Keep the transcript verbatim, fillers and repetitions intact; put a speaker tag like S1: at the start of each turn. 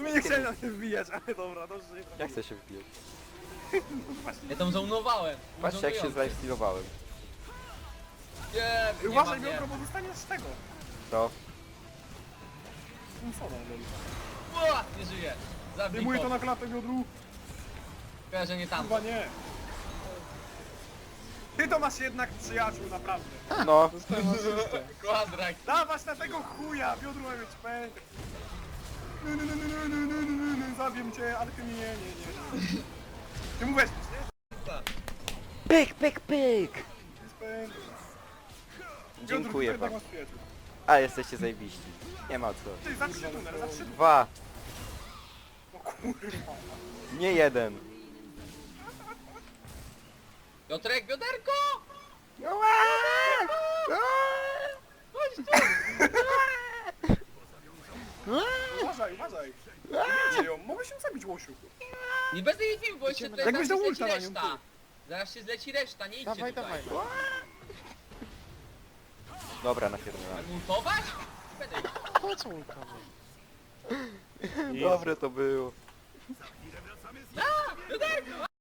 S1: sumie nie chciałem na tym wbijać, ale dobra, dobrze, że nie
S2: Ja
S1: trafiłem.
S2: chcę się wbijać.
S3: Ja tam zaunowałem.
S2: Patrzcie jak się zlifestealowałem.
S3: Nie, nie
S1: Uważaj,
S3: ma mnie.
S1: Miotro, bo dostaniesz z tego.
S2: To?
S1: Simpsona, lol.
S3: Ua, nie żyje. Zabij
S1: Wyjmuję to
S3: go.
S1: na klatę, Miodru.
S3: Chyba, że nie tam.
S1: Chyba nie. Ty to masz jednak przyjaciół, naprawdę.
S2: No.
S1: Dostałem asystę.
S3: Kwadrak.
S1: Dawać na tego chuja, Miodru ma mieć pęk. Nu, nu, nu, nu, nu, nu, nu, nu, nu, zabiję cię, ale ty nie, nie, nie, nie. Ty mu weźmiesz, nie?
S2: Pyk, pyk, pyk!
S1: Jest pęk.
S2: Dziękuję
S1: Miodru, ty
S2: wam.
S1: masz przyjaciół.
S2: A jesteście zajebiści. Nie ma co.
S1: Ty, za trzy numer, za trzy.
S2: Dwa.
S1: O kurwa.
S2: Nie jeden.
S3: Piotrek, bioderko!
S1: Uważaj, uważaj. Nie ją, mogę się zabić, łosiu.
S3: Nie będę jej bił, bo jeszcze tutaj
S1: Jakbyś
S3: zaraz
S1: dał
S3: się
S1: ulta
S3: zleci
S1: na nią,
S3: reszta.
S1: ty.
S3: Zaraz się zleci reszta, nie idźcie
S4: Dawaj,
S3: tutaj.
S4: dawaj.
S2: Dobra, napierdolę.
S3: Mam ultować? Będę ich.
S4: Po co ultować?
S2: Dobre to było.
S3: Bioderko!